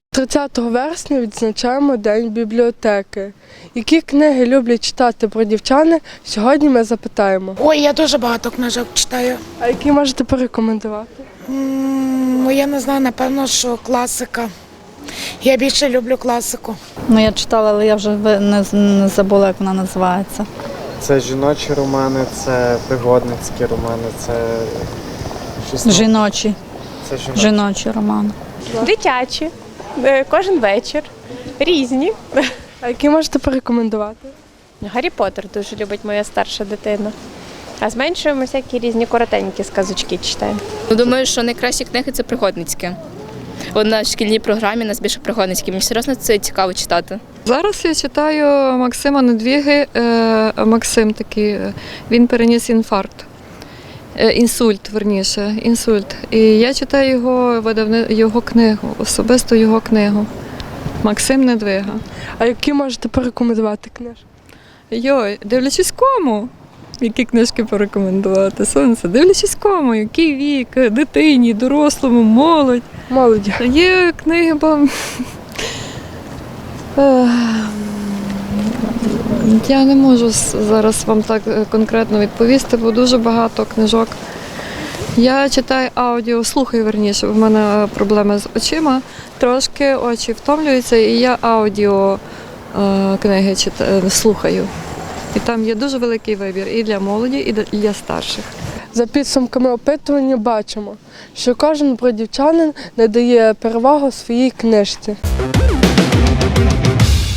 30 вересня відзначаємо День бібліотеки. Які книги люблять читати бродівчани, сьогодні ми запитаємо. Ой, я дуже багато книжок читаю. А які можете порекомендувати? Я не знаю, напевно, що класика. Я більше люблю класику. Ну, я читала, але я вже не забула, як вона називається. Це жіночі романи, це пригодницькі романи, це щось. Жіночі. Це Жіночі романи. Дитячі, кожен вечір, різні. А які можете порекомендувати? Гаррі Поттер дуже любить моя старша дитина. А з меншою ми всякі різні коротенькі сказочки читаємо. Думаю, що найкращі книги – це пригодницькі. От на шкільній програмі у нас більше пригодницькі. Мені серйозно це цікаво читати. Зараз я читаю Максима Недвіги. Максим такий, він переніс інсульт. І я читаю його книгу, особисто його книгу. Максим Недвига. А які можете порекомендувати книжки? Дивлячись кому? Які книжки порекомендувати? Сонце, дивлячись кому, який вік, дитині, дорослому, молодь. Молоді. Є книги, я не можу зараз вам так конкретно відповісти, бо дуже багато книжок. Я читаю слухаю верніше, в мене проблеми з очима, трошки очі втомлюються, і я книги слухаю. І там є дуже великий вибір і для молоді, і для старших. За підсумками опитування бачимо, що кожен бродівчанин надає перевагу своїй книжці.